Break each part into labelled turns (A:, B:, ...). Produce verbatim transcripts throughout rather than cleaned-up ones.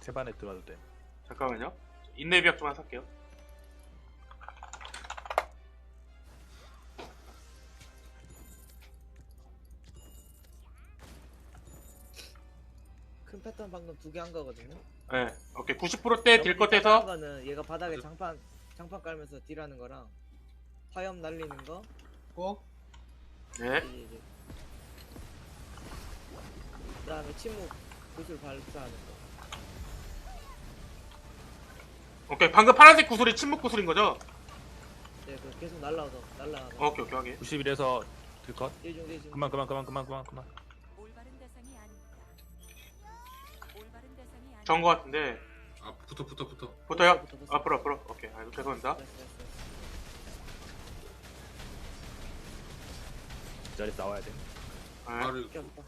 A: 세반에 들어와도 돼.
B: 잠깐만요. 인내비약 좀만 살게요.
C: 큰 패턴 방금 두 개 한 거거든요.
B: 네. 오케이. 구십 퍼센트대 딜 컷 해서
C: 거는 얘가 바닥에 장판 장판 깔면서 딜하는 거랑 화염 날리는 거.
D: 꼭
B: 네.
C: 이제 이제. 그다음에 침묵 구슬 발사하는 거.
B: 오케이. 방금 파란색 구슬이 침묵 구슬인 거죠?
C: 네, 그 계속 날라와서 날라가서.
B: 오케이, 오케이, 확인.
A: 구십일에서 딜컷.
C: 예중 예중.
A: 그만 그만 그만 그만 그만 그만.
E: 올바른 대상이 아닙니다. 올바른 대상이 아닙니다.
B: 저은 거 같은데.
F: 아 붙어 붙어 붙어.
B: 붙어요?
C: 붙어, 붙어.
B: 앞으로, 앞으로. 오케이. 아이고, 죄송합니다.
C: 됐어, 됐어, 됐어.
A: 이 자리 나와야 돼.
B: 네.
F: 바로
C: 꼈다.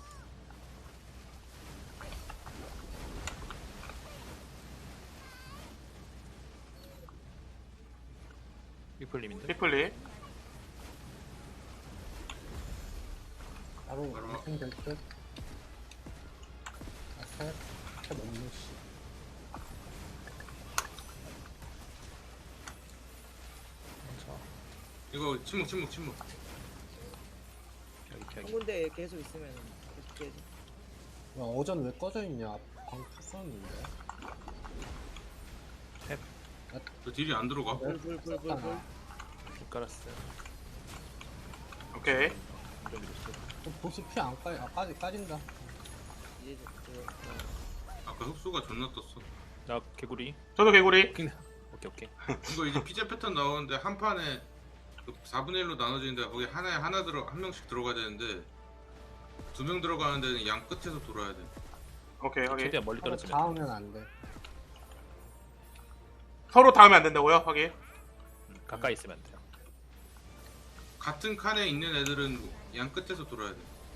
A: 피플님인데.
B: 피플리.
D: 바로
F: 바로.
D: 완성될 듯. 아, 살, 살 너무 씨.
F: 이거 침묵 침묵 침묵.
A: 여기
C: 한
A: 여기.
C: 군데 계속 있으면 계속 깨지.
D: 야, 어전 왜 꺼져 있냐? 광 탔었는데.
F: 저 딜이 안 들어가.
C: 불불불불불.
A: 못 깔았어요.
B: 오케이.
A: 완전 밀었어.
D: 또 보시 피 안 까지, 아, 까지, 까진다.
C: 이제 그 어,
F: 아까 흡수가 존나 떴어.
A: 나 개구리.
B: 저도 개구리.
A: 오케이 오케이.
F: 이거 이제 피자 패턴 나오는데 한 판에 그 사분의 일로 나눠지는데 거기 하나에 하나 들어 한 명씩 들어가야 되는데 두 명 들어가는 데는 양 끝에서 돌아야 돼.
B: 오케이, 확인.
A: 최대한 멀리
D: 서로
A: 떨어지면.
D: 닿으면 안 돼.
B: 서로 닿으면 안 된다고요? 확인.
A: 음, 가까이 있으면 돼요.
F: 같은 칸에 있는 애들은 양 끝에서 돌아야 돼.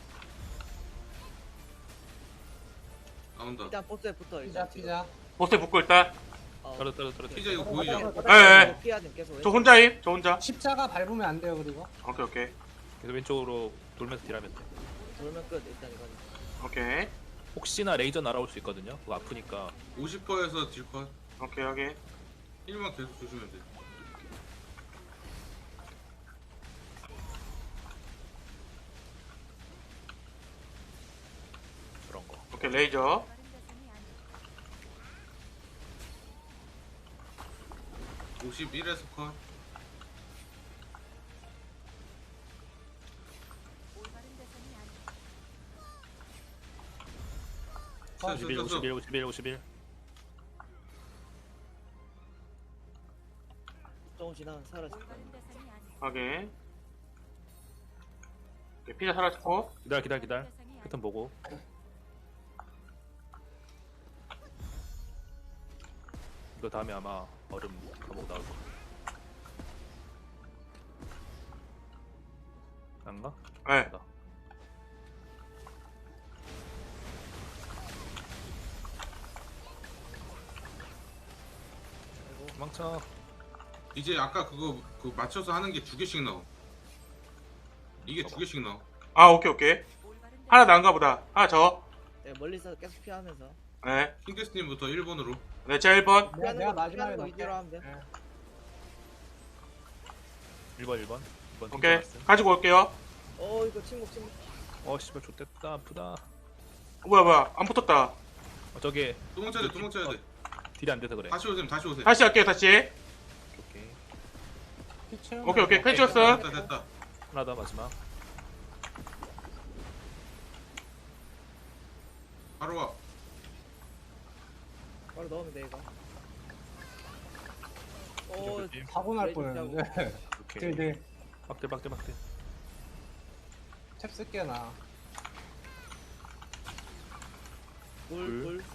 F: 나온다.
C: 일단 보스에 붙어
D: 피자,
C: 일단 지금.
D: 피자.
B: 보스에 붙고 일단.
C: 어,
A: 떨어 떨어 떨어.
F: 피자 이거 보이죠?
B: 예, 예.
C: 피해야 돼 계속.
B: 저 혼자임? 저 혼자.
D: 십자가 밟으면 안 돼요, 그리고.
B: 오케이, 오케이.
A: 계속 왼쪽으로 돌면서 딜하면 돼.
C: 돌면 끝 일단 이거는.
B: 오케이.
A: 혹시나 레이저 날아올 수 있거든요. 그거 아프니까.
F: 오십 퍼센트에서 딜컷.
B: 오케이, 확인.
F: 일만 계속 조심해야 돼.
A: 그런 거.
B: 오케이, 레이저.
E: 올바른 대상이 아닙니다.
F: 오십일에서 컷.
E: 올바른 대상이 아닙니다.
A: 오십일 오십일 오십일 오십일.
C: 조금 지나면 사라질 거야.
E: 올바른 대상이 아닙니다.
B: 확인. 오케이, 피자 사라졌고.
A: 기다려 기다려 기다려.
E: 대상이 아닙니다.
A: 패턴 보고. 이거 다음에 아마 얼음 감옥 나올 거. 안가?
B: 네.
A: 나. 도망쳐.
F: 이제 아까 그거 그 맞춰서 하는 게 두 개씩 나와. 이게 두 개씩 나와.
B: 아, 오케이, 오케이.
E: 올바른
B: 하나 나은가 보다. 하나 저.
C: 네, 멀리서 계속 피하면서.
B: 네.
F: 킹게스님부터 일 번으로.
B: 네, 제가 일 번.
D: 내가,
C: 피하는
D: 내가
C: 거,
D: 마지막에
C: 피하는 거
D: 넣을게.
C: 위주로 하면 돼.
D: 네.
A: 일 번 일 번. 이 번
B: 오케이.
A: 튕겨놨어요.
B: 가지고 올게요.
C: 어 이거 침묵 침묵.
A: 어 씨발 좆됐다 아프다.
B: 어, 뭐야, 뭐야. 안 붙었다.
A: 어 저게
F: 도망쳐야 돼 도망쳐야 돼.
A: 딜이 안 돼서 그래.
F: 다시 오세요 다시 오세요.
B: 다시 할게요, 다시.
A: 오케이.
D: 피 채우면
B: 오케이, 오케이.
D: 돼.
B: 펜 쳤어.
F: 됐다 됐다.
A: 하나 더 마지막.
F: 바로 와.
C: 바로 넣으면 돼 이거. 오
A: 조심.
D: 사고 날
C: 레이저
D: 뻔했는데.
A: 오케이.
D: 딜, 딜.
A: 박대 박대 박대.
D: 탭 쓸게, 나.
C: 불불.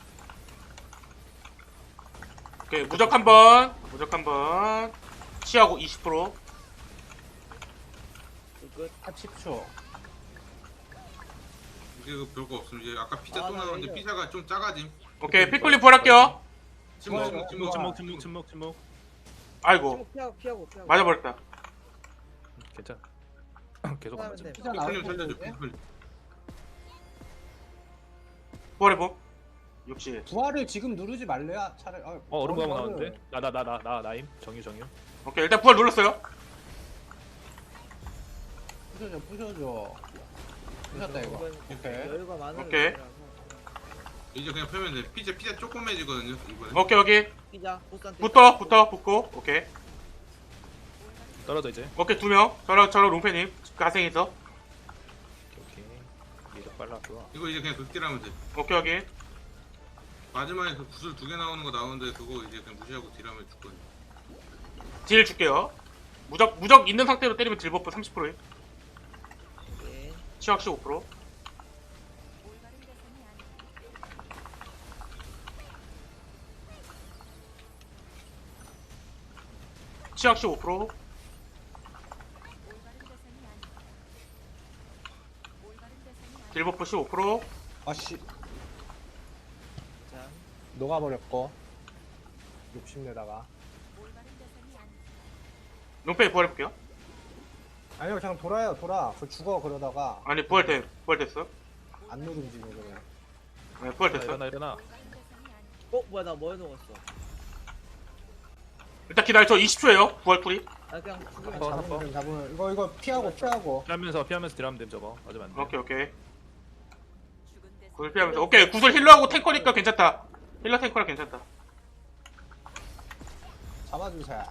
B: 오케이, 무적 한 번. 무적 한 번. 치하고 이십 퍼센트.
C: 끝.
D: 탭 십 초.
F: 이제 그 별거 없음. 이제 아까 피자
C: 아,
F: 또
C: 나
F: 나오는데
C: 이거.
F: 피자가 좀 작아짐.
B: 오케이, 피클리 부활할게요.
F: 침묵
D: 좋아요.
F: 침묵 침묵.
A: 침묵 침묵 침묵 침묵.
B: 아이고.
C: 침묵 피하고 피하고 피하고.
B: 맞아버렸다.
A: 괜찮아. 계속 안
C: 하면
A: 맞아.
C: 돼.
D: 피자
F: 피클님
D: 나올
F: 살려줘.
D: 텐데.
F: 피클.
B: 부활해봄. 육십.
D: 부활을 지금 누르지 말래야 차라리. 아,
A: 어 얼음 가방
D: 부활을.
A: 나왔는데? 나 나 나 나 나 나임 정유 정유.
B: 오케이 일단 부활 눌렀어요.
D: 부셔줘 부셔줘. 부셨다 이거.
C: 이건
D: 오케이.
C: 여유가 많은
B: 오케이.
C: 애라서.
F: 이제 그냥 펴면 돼. 피자 피자 조그매지거든요 이번에.
B: 오케이 여기
C: 피자 보스한테
B: 붙어 붙어 붙고 오케이
A: 떨어져 이제.
B: 오케이 두 명. 저랑 저랑 롱패님 가생에서
A: 오케이 오케이. 미적 빨라 좋아.
F: 이거 이제 그냥 극딜하면 돼.
B: 오케이 여기
F: 마지막에 그 구슬 두 개 나오는 거 나오는데 그거 이제 그냥 무시하고 딜하면 죽거든.
B: 딜 줄게요. 무적 무적 있는 상태로 때리면 딜 버프 삼십 퍼센트.
C: 오케이.
B: 치확 십오 퍼센트.
E: 올바른 대상이 아닙니다.
B: 치확 십오 퍼센트.
E: 올바른 대상이 아닙니다. 올바른 대상이 아닙니다.
B: 딜 버프 십오 퍼센트.
D: 아씨
C: 자,
D: 녹아버렸고. 욕심내다가.
E: 올바른 대상이 아닙니다.
B: 롱패 부활해볼게요.
D: 아니요 그냥 돌아요 돌아. 그 죽어 그러다가
B: 아니 부활돼 부활됐어.
D: 안 누르지 그냥.
B: 네
A: 일어나
B: 부활됐어.
A: 일어나 일어나.
E: 올바른 대상이 아닙니다.
C: 어 뭐야 나 뭐 해놓았어?
B: 일단 기다려 저 이십 초예요. 부활 풀이.
C: 아 그냥 죽으면
A: 어,
D: 잡으면
A: 잡아.
D: 돼, 잡으면 이거 이거 피하고 피하고.
A: 피하면서 피하면서 딜하면 됨 저거. 맞으면 안 돼.
B: 오케이 오케이.
E: 죽은 대상.
B: 구슬 피하면서 오케이 구슬 힐러하고 탱커니까 괜찮다. 힐러 탱커라 괜찮다.
D: 잡아주세요.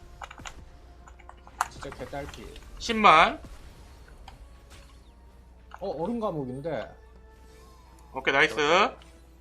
D: 진짜 개딸피.
B: 십만.
D: 어 얼음 감옥인데.
B: 오케이 나이스.